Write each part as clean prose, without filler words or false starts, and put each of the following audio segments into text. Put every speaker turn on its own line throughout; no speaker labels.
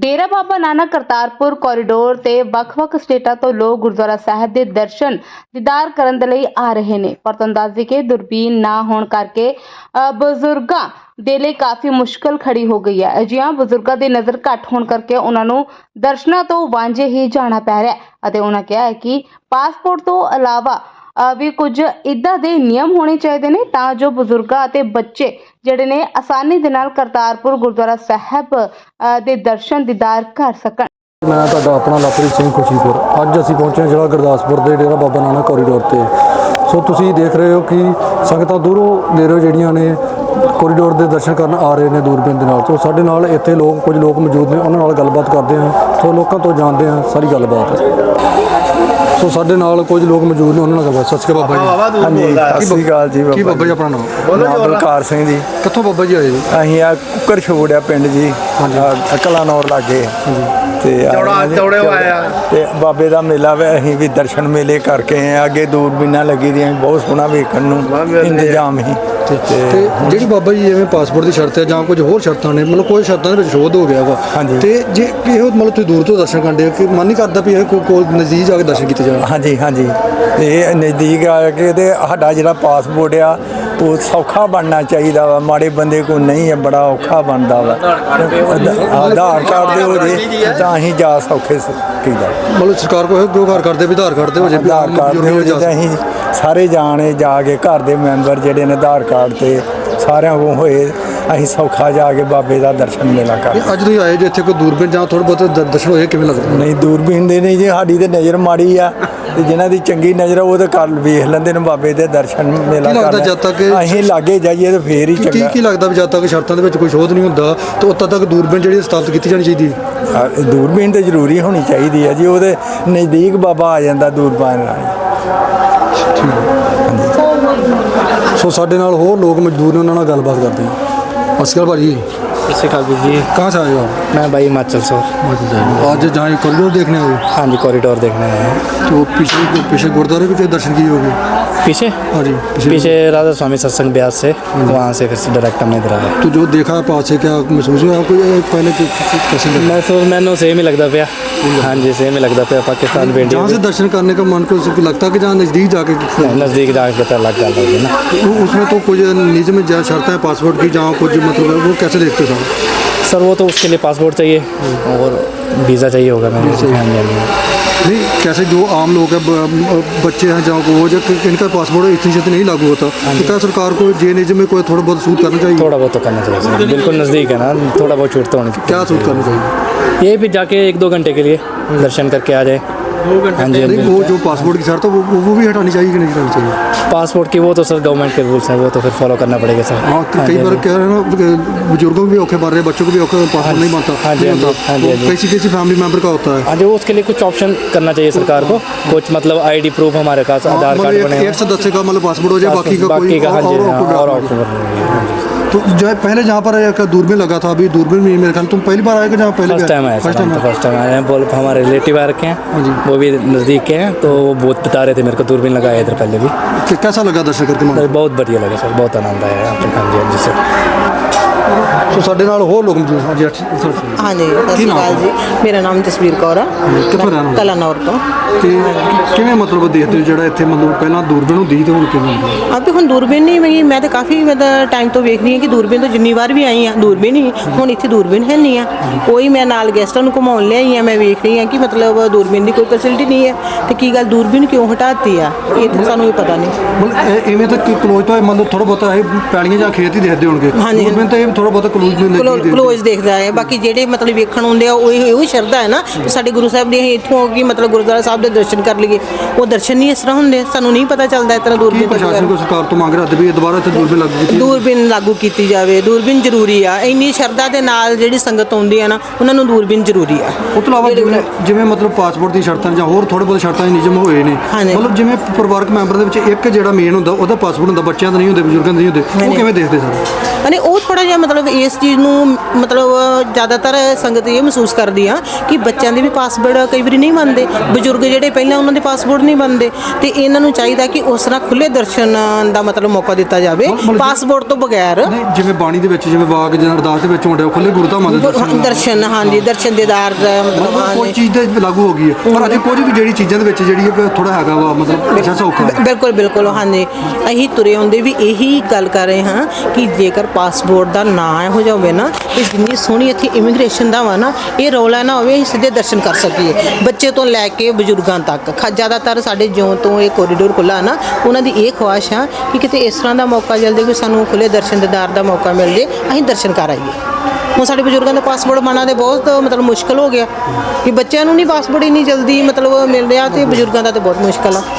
डेरा Baba Nanak Kartarpur corridor ते ਵੱਖ-ਵੱਖ स्टेटां तो लोग गुरुद्वारा साहिब ਦੇ दर्शन दीदार ਕਰਨ ਦੇ ਲਈ ਆ ਰਹੇ ਨੇ। ਪਰ ਤੁਹਾਨੂੰ ਦੱਸ ਦਈਏ ਕਿ ਦੁਰਬੀਨ ਨਾ ਹੋਣ ਕਰਕੇ ਬਜ਼ੁਰਗਾਂ ਦੇ ਲਈ ਕਾਫੀ ਮੁਸ਼ਕਲ ਖੜੀ ਹੋ ਗਈ ਹੈ। ਅਜਿਹਾ ਬਜ਼ੁਰਗਾਂ ਦੀ ਨਜ਼ਰ ਘੱਟ ਹੋਣ ਕਰਕੇ ਉਹਨਾਂ ਨੂੰ ਦਰਸ਼ਨਾਂ ਤੋਂ ਵਾਂਝੇ ਹੀ ਜਾਣਾ ਪੈ ਰਿਹਾ ਹੈ ਅਤੇ ਉਹਨਾਂ ਕਿਹਾ ਹੈ ਕਿ ਪਾਸਪੋਰਟ ਤੋਂ ਇਲਾਵਾ ਵੀ ਕੁਝ ਇੱਦਾਂ ਦੇ ਨਿਯਮ ਹੋਣੇ ਚਾਹੀਦੇ ਨੇ ਤਾਂ ਜੋ ਬਜ਼ੁਰਗਾਂ ਅਤੇ ਬੱਚੇ ਜਿਹੜੇ ਨੇ ਆਸਾਨੀ ਦੇ ਨਾਲ ਕਰਤਾਰਪੁਰ ਗੁਰਦੁਆਰਾ ਸਾਹਿਬ ਦੇ ਦਰਸ਼ਨ ਦੀਦਾਰ ਕਰ ਸਕਣ।
मैं ਤੁਹਾਡਾ ਆਪਣਾ ਲਵਪ੍ਰੀਤ ਸਿੰਘ ਖੁਸ਼ੀਪੁਰ। ਅੱਜ ਅਸੀਂ ਪਹੁੰਚੇ ਹਾਂ ਜ਼ਿਲ੍ਹਾ ਗੁਰਦਾਸਪੁਰ ਦੇ ਡੇਰਾ ਬਾਬਾ ਨਾਨਕ ਕੋਰੀਡੋਰ ਤੇ। ਸੋ ਤੁਸੀਂ ਦੇਖ ਰਹੇ ਹੋ ਕਿ ਸੰਗਤਾਂ ਦੂਰੋਂ ਨੇੜਿਓਂ ਜਿਹੜੀਆਂ ਨੇ ਕੋਰੀਡੋਰ ਦੇ ਦਰਸ਼ਨ ਕਰਨ ਆ ਰਹੇ ਨੇ ਦੂਰਬੀਨ ਦੇ ਨਾਲ। ਸੋ ਸਾਡੇ ਨਾਲ ਇੱਥੇ ਕੁਝ ਲੋਕ ਮੌਜੂਦ ਨੇ, ਉਹਨਾਂ ਨਾਲ ਗੱਲਬਾਤ ਕਰਦੇ ਹਾਂ। ਸੋ ਲੋਕਾਂ ਤੋਂ ਜਾਣਦੇ ਹਾਂ ਸਾਰੀ ਗੱਲਬਾਤ। ਸੋ ਸਾਡੇ ਨਾਲ ਕੁਝ ਲੋਕ ਮੌਜੂਦ ਨੇ, ਉਹਨਾਂ ਨਾਲ ਗੱਲਬਾਤ। ਸਤਿ ਸ਼੍ਰੀ ਅਕਾਲ ਬਾਬਾ ਜੀ।
ਹਾਂਜੀ ਸਤਿ ਸ਼੍ਰੀ ਅਕਾਲ ਜੀ।
ਕੀ ਬਾਬਾ ਜੀ ਆਪਣਾ ਨਾਮ?
ਬਲਕਾਰ ਸਿੰਘ ਜੀ।
ਕਿੱਥੋਂ ਬਾਬਾ ਜੀ ਆਏ ਜੀ?
ਅਸੀਂ ਆ ਕੁੱਕਰ ਛੋੜਿਆ ਪਿੰਡ ਜੀ, ਕਲਾਨੌਰ ਲਾਗੇ ਤੇ ਤੇ ਬਾਬੇ ਦਾ ਮੇਲਾ ਵੇ। ਅਸੀਂ ਵੀ ਦਰਸ਼ਨ ਮੇਲੇ ਕਰਕੇ ਆਏ। ਅੱਗੇ ਦੂਰਬੀਨਾਂ ਲੱਗੀ ਦੀਆਂ, ਬਹੁਤ ਸੋਹਣਾ ਵੇਖਣ ਨੂੰ ਇੰਤਜ਼ਾਮ ਹੀ।
ਤੇ ਜਿਹੜੀ ਬਾਬਾ ਜੀ ਜਿਵੇਂ ਪਾਸਪੋਰਟ ਦੀ ਸ਼ਰਤ ਹੈ ਜਾਂ ਕੁਝ ਹੋਰ ਸ਼ਰਤਾਂ ਨੇ, ਮਤਲਬ ਕੋਈ ਸ਼ਰਤਾਂ ਦੇ ਵਿੱਚ ਸ਼ੋਧ ਹੋ ਗਿਆ ਵਾ। ਤੇ ਜੇ ਇਹੋ ਮਤਲਬ ਤੁਸੀਂ ਦੂਰ ਤੋਂ ਦਰਸ਼ਨ ਕਰਦੇ ਕਿ ਮਨ ਨਹੀਂ ਕਰਦਾ ਵੀ ਇਹ ਕੋਲ ਨਜ਼ਦੀਕ ਜਾ ਕੇ ਦਰਸ਼ਨ ਕੀਤੇ ਜਾਣ?
ਹਾਂਜੀ ਹਾਂਜੀ, ਇਹ ਨਜ਼ਦੀਕ ਆ ਕੇ ਤੇ ਸਾਡਾ ਜਿਹੜਾ ਪਾਸਪੋਰਟ ਆ ਉਹ ਸੌਖਾ ਬਣਨਾ ਚਾਹੀਦਾ ਵਾ। ਮਾੜੇ ਬੰਦੇ ਕੋਲ ਨਹੀਂ ਹੈ, ਬੜਾ ਔਖਾ ਬਣਦਾ ਵਾ। ਆਧਾਰ ਕਾਰਡ ਦੇ ਹੋ ਜੇ ਤਾਂ ਅਸੀਂ ਜਾ ਸੌਖੇ ਕੀਦਾ।
ਮਤਲਬ ਸਰਕਾਰ ਕੋਲ ਇਹੋ ਗੁਹਾਰ ਕਰਦੇ ਵੀ ਆਧਾਰ ਕਾਰਡ ਦੇ ਹੋ ਜੇ।
ਆਧਾਰ ਕਾਰਡ ਦੇ ਹੋ ਜੇ ਤਾਂ ਅਸੀਂ ਸਾਰੇ ਜਾਣੇ ਜਾ ਕੇ ਘਰ ਦੇ ਮੈਂਬਰ ਜਿਹੜੇ ਨੇ ਆਧਾਰ ਕਾਰਡ ਤੇ ਸਾਰਿਆਂ ਕੋਲ ਹੋਏ, ਅਸੀਂ ਸੌਖਾ ਜਾ ਕੇ ਬਾਬੇ ਦਾ ਦਰਸ਼ਨ ਮੇਲਾ ਕਰ।
ਅੱਜ ਤੁਸੀਂ ਆਏ ਜੇ ਇੱਥੇ ਕੋਈ ਦੂਰਬੀਨ ਜਾਂ ਥੋੜ੍ਹੇ ਬਹੁਤ ਦਰਸ਼ਨ ਹੋਏ, ਕਿਵੇਂ ਲੱਗਦਾ?
ਨਹੀਂ, ਦੂਰਬੀਨ ਦੇ ਨਹੀਂ ਜੀ, ਸਾਡੀ ਤੇ ਨਜ਼ਰ ਮਾੜੀ ਆ ਤੇ ਜਿਨ੍ਹਾਂ ਦੀ ਚੰਗੀ ਨਜ਼ਰ ਉਹ ਤਾਂ ਕਰ ਵੇਖ ਲੈਂਦੇ ਨੇ ਬਾਬੇ ਦੇ ਦਰਸ਼ਨ ਮੇਲਾ
ਲੱਗਦਾ ਜਦ ਤੱਕ
ਅਸੀਂ ਲਾਗੇ ਜਾਈਏ ਤਾਂ ਫੇਰ ਹੀ ਚੰਗਾ।
ਕੀ ਲੱਗਦਾ ਵੀ ਜਦ ਤੱਕ ਸ਼ਰਤਾਂ ਦੇ ਵਿੱਚ ਕੋਈ ਸ਼ੋਧ ਨਹੀਂ ਹੁੰਦਾ ਤਾਂ ਉਦੋਂ ਤੱਕ ਦੂਰਬੀਨ ਜਿਹੜੀ ਸਥਾਪਿਤ ਕੀਤੀ ਜਾਣੀ ਚਾਹੀਦੀ ਹੈ?
ਦੂਰਬੀਨ ਤਾਂ ਜ਼ਰੂਰੀ ਹੋਣੀ ਚਾਹੀਦੀ ਹੈ ਜੀ। ਉਹਦੇ ਨਜ਼ਦੀਕ ਬਾਬਾ ਆ ਜਾਂਦਾ ਦੂਰਬੀਨ ਨਾਲ।
ਸੋ ਸਾਡੇ ਨਾਲ ਹੋਰ ਲੋਕ ਮਜ਼ਦੂਰ ਨੇ, ਉਹਨਾਂ ਨਾਲ ਗੱਲਬਾਤ ਕਰਦੇ ਹਾਂ। ਸਤਿ ਸ਼੍ਰੀ ਅਕਾਲ ਭਾਜੀ।
सत श्रीकाल जी।
कहाँ से आए हो आप?
मैं भाई हिमाचल से।
आज जहाँ कॉरिडोर देखने आए हो?
हाँ जी, कॉरिडोर देखने आए हैं।
तो पीछे गुरुद्वारे के दर्शन किए होंगे?
पीछे?
हाँ जी,
पीछे राधा स्वामी सत्संग ब्यास से, वहाँ से फिर से डायरेक्ट हमने इधर आया।
तो जो देखा पास से क्या महसूस हुआ आपको? पहले कैसे लगा?
महसूस मैंने सेम ही लगता पाया। हाँ जी, सेम ही लगता पाया। पाकिस्तान पे
जहाँ से दर्शन करने का मन को लगता कि जहाँ नज़दीक जाके
नज़दीक जाके पता लग जाता है ना।
उसमें तो कुछ निजी में शर्त है पासपोर्ट की, जहाँ कुछ मतलब है वो कैसे देखते हो
सर? वो तो उसके लिए पासपोर्ट चाहिए और वीज़ा चाहिए होगा मेरे। हाँ जी।
नहीं, कैसे जो आम लोग हैं, बच्चे हैं जहाँ को वो जब इनका पासपोर्ट इतनी जल्दी नहीं लागू होता, तो क्या सरकार को जे निजी में कोई थोड़ा बहुत सूट करना चाहिए?
थोड़ा बहुत तो करना चाहिए सर, बिल्कुल नज़दीक है ना, थोड़ा बहुत छूट तो होनी चाहिए।
क्या सूट करना चाहिए?
ये भी जाके 1-2 घंटे के लिए दर्शन करके आ जाए। 2 घंटे? हाँ जी।
वो जो पासपोर्ट की शर्त है वो भी हटानी चाहिए कि नहीं हटानी चाहिए?
पासपोर्ट की वो तो सर गवर्नमेंट के रूल्स हैं, वो तो फिर फॉलो करना पड़ेगा सर।
हाँ, कई बार कह रहे हैं ना, बुजुर्गों को भी औखे पड़ रहे हैं, बच्चों को भी औखे, पासपोर्ट नहीं बनता।
हाँ जी, हाँ जी।
कैसी फैमिली मेंबर का होता है?
हाँ जी, उसके लिए कुछ ऑप्शन करना चाहिए सरकार को। कुछ मतलब आईडी प्रूफ हमारे पास, आधार कार्ड बने,
एक सदस्य का मतलब पासपोर्ट हो जाए, बाकी का
बाकी का। हाँ जी,
और तो जो पहले जहाँ पर दूरबीन लगा था, अभी दूरबीन में मेरे ख्याल तुम पहली बार आएगा जहाँ पहले?
फर्स्ट टाइम आए, फर्स्ट टाइम आए हैं। बोल हमारे रिलेटिव आ रखे हैं, वो भी नज़दीक के हैं, तो वो बहुत बता रहे थे मेरे को दूरबीन लगाया इधर पहले भी।
कैसा लगा दर्शन करके?
बहुत बढ़िया लगा सर, बहुत आनंद आया यहाँ पे। हाँ जी, हाँ जी सर।
ਸੋ ਸਾਡੇ ਨਾਲ ਹੋਰ ਲੋਕ ਮੌਜੂਦ। ਹਾਂਜੀ
ਹਾਂਜੀ, ਸਤਿ ਸ਼੍ਰੀ ਅਕਾਲ ਜੀ। ਮੇਰਾ ਨਾਮ ਜਸਵੀਰ ਕੌਰ ਆ, ਕਲਾਨੌਰ ਤੋਂ।
ਤੇ ਕਿਵੇਂ ਮਤਲਬ ਦੇਖਦੇ ਹੋ ਜਿਹੜਾ ਇੱਥੇ ਮਤਲਬ ਪਹਿਲਾਂ ਦੂਰਬੀਨ ਹੁੰਦੀ ਤੇ ਹੁਣ ਕਿਵੇਂ?
ਤੇ ਹੁਣ ਦੂਰਬੀਨ ਨਹੀਂ ਹੈਗੀ। ਮੈਂ ਤਾਂ ਕਾਫੀ ਟਾਈਮ ਤੋਂ ਵੇਖ ਰਹੀ ਹਾਂ ਕਿ ਦੂਰਬੀਨ ਤੋਂ ਜਿੰਨੀ ਵਾਰ ਵੀ ਆਈ ਆ ਦੂਰਬੀਨ ਹੀ, ਹੁਣ ਇੱਥੇ ਦੂਰਬੀਨ ਹੈ ਨਹੀਂ ਆ ਕੋਈ। ਮੈਂ ਨਾਲ ਗੈਸਟਾਂ ਨੂੰ ਘੁਮਾਉਣ ਲਿਆਈ ਆ, ਮੈਂ ਵੇਖ ਰਹੀ ਹਾਂ ਕਿ ਮਤਲਬ ਦੂਰਬੀਨ ਦੀ ਕੋਈ ਫੈਸਿਲਿਟੀ ਨਹੀਂ ਹੈ। ਤੇ ਕੀ ਗੱਲ ਦੂਰਬੀਨ ਕਿਉਂ ਹਟਾਤੀ ਆ, ਇਹ ਤਾਂ ਸਾਨੂੰ ਵੀ ਪਤਾ ਨਹੀਂ।
ਮਤਲਬ ਇਵੇਂ ਤਾਂ ਕਲੋਜ਼ ਤੋਂ ਮਤਲਬ ਥੋੜਾ ਬਹੁਤਾ ਇਹ ਪੈਲੀਆਂ ਜਾਂ ਖੇਤ ਹੀ ਦੇਖਦੇ ਹੋਣਗੇ। ਦੂਰਬੀਨ ਤਾਂ ਇਹ ਥੋੜਾ ਬਹੁਤਾ
ਕਲੋਜ਼ ਦੇਖਦਾ ਹੈ। ਬਾਕੀ ਜਿਹੜੇ ਮਤਲਬ ਵੇਖਣ ਹੁੰਦੇ ਆ ਉਹ ਸ਼ਰਧਾ ਹੈ ਨਾ, ਸਾਡੇ ਗੁਰੂ ਸਾਹਿਬ ਦੇ ਇੱਥੋਂ ਕਿ ਮਤਲਬ ਗੁਰਦੁਆਰਾ ਸਾਹਿਬ ਦੇ ਦਰਸ਼ਨ ਕਰ ਲਈਏ। ਉਹ ਦਰਸ਼ਨ ਨਹੀਂ ਇਸ ਤਰ੍ਹਾਂ ਹੁੰਦੇ, ਸਾਨੂੰ ਨਹੀਂ ਪਤਾ ਚੱਲਦਾ ਇਸ ਤਰ੍ਹਾਂ। ਦੂਰਬੀਨ
ਪ੍ਰਸ਼ਾਸਨ ਕੋ ਸਰਕਾਰ ਤੋਂ ਮੰਗ ਰਿਹਾ ਵੀ ਦੁਬਾਰਾ ਇੱਥੇ ਦੂਰਬੀਨ ਲਾਗੂ ਕੀਤੀ ਜਾਵੇ। ਦੂਰਬੀਨ ਜ਼ਰੂਰੀ ਆ, ਇੰਨੀ ਸ਼ਰਧਾ ਦੇ ਨਾਲ ਜਿਹੜੀ ਸੰਗਤ ਆਉਂਦੀ ਆ ਨਾ, ਉਹਨਾਂ ਨੂੰ ਦੂਰਬੀਨ ਜ਼ਰੂਰੀ ਆ। ਉਸ ਤੋਂ ਇਲਾਵਾ ਜਿਵੇਂ ਮਤਲਬ ਪਾਸਪੋਰਟ ਦੀ ਸ਼ਰਤਾਂ ਜਾਂ ਹੋਰ ਥੋੜੇ ਬਹੁਤ ਸ਼ਰਤਾਂ ਨਿਯਮ ਹੋਏ ਨੇ, ਮਤਲਬ ਜਿਵੇਂ ਪਰਿਵਾਰਕ ਮੈਂਬਰ ਦੇ ਵਿੱਚ ਇੱਕ ਜਿਹੜਾ ਮੇਨ ਹੁੰਦਾ ਉਹਦਾ ਪਾਸਪੋਰਟ ਹੁੰਦਾ, ਬੱਚਿਆਂ ਦਾ ਨਹੀਂ ਹੁੰਦੇ, ਬਜ਼ੁਰਗਾਂ ਦੇ ਨਹੀਂ ਹੁੰਦੇ, ਉਹ ਕਿਵੇਂ ਦੇਖਦੇ ਸਰ?
ਉਹ ਥੋੜਾ ਜਿਹਾ ਮਤਲਬ ਸੰਗਤ ਇਸ ਚੀਜ਼ ਨੂੰ ਮਤਲਬ ਜ਼ਿਆਦਾਤਰ ਸੰਗਤ ਇਹ ਮਹਿਸੂਸ ਕਰਦੀ ਆ ਕਿ ਬੱਚਿਆਂ ਦੇ ਵੀ ਪਾਸਪੋਰਟ ਕਈ ਵਾਰੀ ਨਹੀਂ ਬਣਦੇ, ਬਜ਼ੁਰਗ ਜਿਹੜੇ ਪਹਿਲਾਂ ਉਹਨਾਂ ਦੇ ਪਾਸਪੋਰਟ ਨਹੀਂ ਬਣਦੇ, ਤੇ ਇਹਨਾਂ ਨੂੰ ਚਾਹੀਦਾ ਕਿ ਉਸ ਤਰ੍ਹਾਂ ਖੁੱਲੇ ਦਰਸ਼ਨ ਦਾ ਮਤਲਬ ਮੌਕਾ ਦਿੱਤਾ ਜਾਵੇ ਪਾਸਪੋਰਟ ਤੋਂ ਬਗੈਰ।
ਨਹੀਂ, ਜਿਵੇਂ ਬਾਣੀ ਦੇ ਵਿੱਚ ਜਿਵੇਂ ਵਾਕ ਜਾਂ ਅਰਦਾਸ ਦੇ ਵਿੱਚ ਹੁੰਦੇ ਆ, ਖੁੱਲੇ ਗੁਰਧਾਮਾਂ ਦੇ
ਦਰਸ਼ਨ, ਹਾਂਜੀ, ਦਰਸ਼ਨ ਦੀਦਾਰ ਦਾ ਮਤਲਬ
ਕੋਈ ਚੀਜ਼ ਤੇ ਲਾਗੂ ਹੋ ਗਈ ਹੈ, ਪਰ ਅਜੇ ਕੁਝ ਵੀ ਜਿਹੜੀ ਚੀਜ਼ਾਂ ਦੇ ਵਿੱਚ ਜਿਹੜੀ ਥੋੜਾ ਹੈਗਾ ਵਾ ਮਤਲਬ ਅੱਛਾ ਸੌਖਾ।
ਬਿਲਕੁਲ ਬਿਲਕੁਲ, ਹਾਂਜੀ। ਅਸੀਂ ਤੁਰੇ ਆਉਂਦੇ ਵੀ ਇਹੀ ਗੱਲ ਕਰ ਰਹੇ ਹਾਂ ਕਿ ਜੇਕਰ ਪਾਸਪੋਰਟ ਦਾ ਨਾਂ ਇਹੋ ਜਿਹਾ ਹੋਵੇ ਨਾ, ਤੇ ਜਿੰਨੀ ਸੋਹਣੀ ਇੱਥੇ ਇਮੀਗ੍ਰੇਸ਼ਨ ਦਾ ਵਾ ਨਾ, ਇਹ ਰੌਲਾ ਨਾ ਹੋਵੇ, ਅਸੀਂ ਸਿੱਧੇ ਦਰਸ਼ਨ ਕਰ ਸਕੀਏ, ਬੱਚੇ ਤੋਂ ਲੈ ਕੇ ਬਜ਼ੁਰਗਾਂ ਤੱਕ। ਜ਼ਿਆਦਾਤਰ ਸਾਡੇ ਜਿਉਂ ਤੋਂ ਇਹ ਕੋਰੀਡੋਰ ਖੁੱਲ੍ਹਾ ਨਾ, ਉਹਨਾਂ ਦੀ ਇਹ ਖੁਆਇਸ਼ ਆ ਕਿ ਕਿਤੇ ਇਸ ਤਰ੍ਹਾਂ ਦਾ ਮੌਕਾ ਜਲਦੀ ਕੋਈ ਸਾਨੂੰ ਖੁੱਲੇ ਦਰਸ਼ਨ ਦੀਦਾਰ ਦਾ ਮੌਕਾ ਮਿਲ ਜੇ, ਅਸੀਂ ਦਰਸ਼ਨ ਕਰ ਆਈਏ। ਹੁਣ ਸਾਡੇ ਬਜ਼ੁਰਗਾਂ ਦਾ ਪਾਸਪੋਰਟ ਬਣਨਾ ਤੇ ਬਹੁਤ ਮਤਲਬ ਮੁਸ਼ਕਲ ਹੋ ਗਿਆ ਕਿ ਬੱਚਿਆਂ ਨੂੰ ਨਹੀਂ ਪਾਸਪੋਰਟ ਇੰਨੀ ਜਲਦੀ ਮਤਲਬ ਮਿਲ ਰਿਹਾ, ਤੇ ਬਜ਼ੁਰਗਾਂ ਦਾ ਤੇ ਬਹੁਤ ਮੁਸ਼ਕਲ ਆ।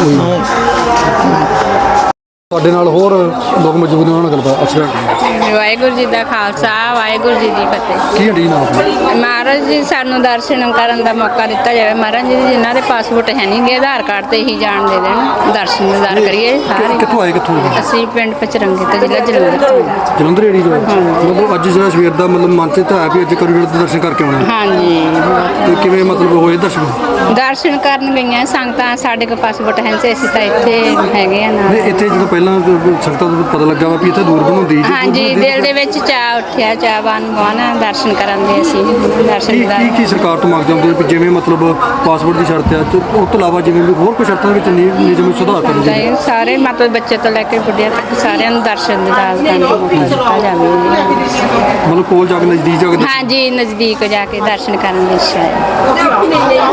ਸਾਡੇ ਨਾਲ ਹੋਰ ਲੋਕ ਮੌਜੂਦ ਨੇ, ਉਹਨਾਂ ਨਾਲ ਗੱਲਬਾਤ ਅਸਰ
ਵਾਹਿਗੁਰੂ ਜੀ ਦਾ ਖਾਲਸਾ, ਵਾਹਿਗੁਰੂ ਜੀ ਦੀ ਫਤਿਹ।
ਕੀ ਹੱਡੀ ਨਾਮ
ਮਹਾਰਾਜ ਜੀ ਸਾਨੂੰ ਦਰਸ਼ਨ ਕਰਨ ਦਾ ਮੌਕਾ ਦਿੱਤਾ ਜਾਵੇ। ਮਹਾਰਾਜ ਜੀ ਜਿਨ੍ਹਾਂ ਦੇ ਪਾਸਪੋਰਟ ਹੈ ਨਹੀਂ ਗੇ, ਆਧਾਰ ਕਾਰਡ ਤੇ ਹੀ ਜਾਣ ਦੇ ਦੇਣ, ਦਰਸ਼ਨ ਦੀਦਾਰ ਕਰੀਏ ਸਾਰੇ।
ਕਿੱਥੋਂ ਆਏ ਕਿੱਥੋਂ ਆਏ?
ਅਸੀਂ ਪਿੰਡ ਪਚਰੰਗੇ ਤੋਂ, ਜ਼ਿਲ੍ਹਾ ਜਲੰਧਰ ਤੋਂ।
ਜਲੰਧਰ ਏੜੀ ਤੋਂ ਮਤਲਬ ਅੱਜ ਜਿਹੜਾ ਸਵੇਰ ਦਾ ਮਤਲਬ ਮਨ ਤੇ ਤਾਂ ਹੈ ਵੀ ਅੱਜ ਕੋਰੀਡੋਰ ਦੇ ਦਰਸ਼ਨ ਕਰਕੇ ਆਉਣੇ,
ਹਾਂਜੀ,
ਤੇ ਕਿਵੇਂ ਮਤਲਬ ਹੋਏ ਦਰਸ਼ਨ?
ਦਰਸ਼ਨ ਕਰਨ ਗਈਆਂ ਸੰਗਤਾਂ। ਸਾਡੇ ਕੋਲ ਪਾਸਪੋਰਟ ਹੈ ਨਹੀਂ, ਅਸੀਂ ਤਾਂ ਇੱਥੇ ਹੈਗੇ ਆ ਨਾਲ।
ਨਹੀਂ, ਇੱਥੇ ਜਦੋਂ ਪਹਿਲਾਂ ਸੰਗਤਾਂ ਨੂੰ ਪਤਾ ਲੱਗਾ ਵਾ ਵੀ ਇੱਥੇ ਦੂਰ ਬਣਾਉਂਦੀ
ਹਾਂਜੀ, ਦਿਲ ਦੇ ਵਿੱਚ ਚਾਅ ਉੱਠਿਆ, ਚਾਹਵਾਨ ਦਰਸ਼ਨ ਕਰਨ ਦੇ। ਅਸੀਂ ਦਰਸ਼ਨ ਦੀਦਾਰ
ਕੀ ਸਰਕਾਰ ਤੋਂ ਮੰਗਦੇ ਹੁੰਦੇ ਵੀ ਜਿਵੇਂ ਮਤਲਬ ਪਾਸਪੋਰਟ ਦੀ ਸ਼ਰਤ ਹੈ, ਤੇ ਉਸ ਤੋਂ ਇਲਾਵਾ ਜਿਵੇਂ ਵੀ ਹੋਰ ਕੋਈ ਸ਼ਰਤਾਂ ਵਿੱਚ ਨਿਯਮ ਸੁਧਾਰ ਕਰਨ ਦੀ?
ਨਹੀਂ, ਸਾਰੇ ਮਤਲਬ ਬੱਚੇ ਤੋਂ ਲੈ ਕੇ ਬੁੱਢਿਆਂ ਤੱਕ ਸਾਰਿਆਂ ਨੂੰ ਦਰਸ਼ਨ ਦੀਦਾਰ ਕਰਨ ਦਾ ਮੌਕਾ ਦਿੱਤਾ ਜਾਵੇ।
ਮਤਲਬ ਕੋਲ ਜਾ ਕੇ ਨਜ਼ਦੀਕ ਜਾ ਕੇ
ਹਾਂਜੀ, ਨਜ਼ਦੀਕ ਜਾ ਕੇ ਦਰਸ਼ਨ ਕਰਨ ਦੀ ਇੱਛਾ ਹੈ।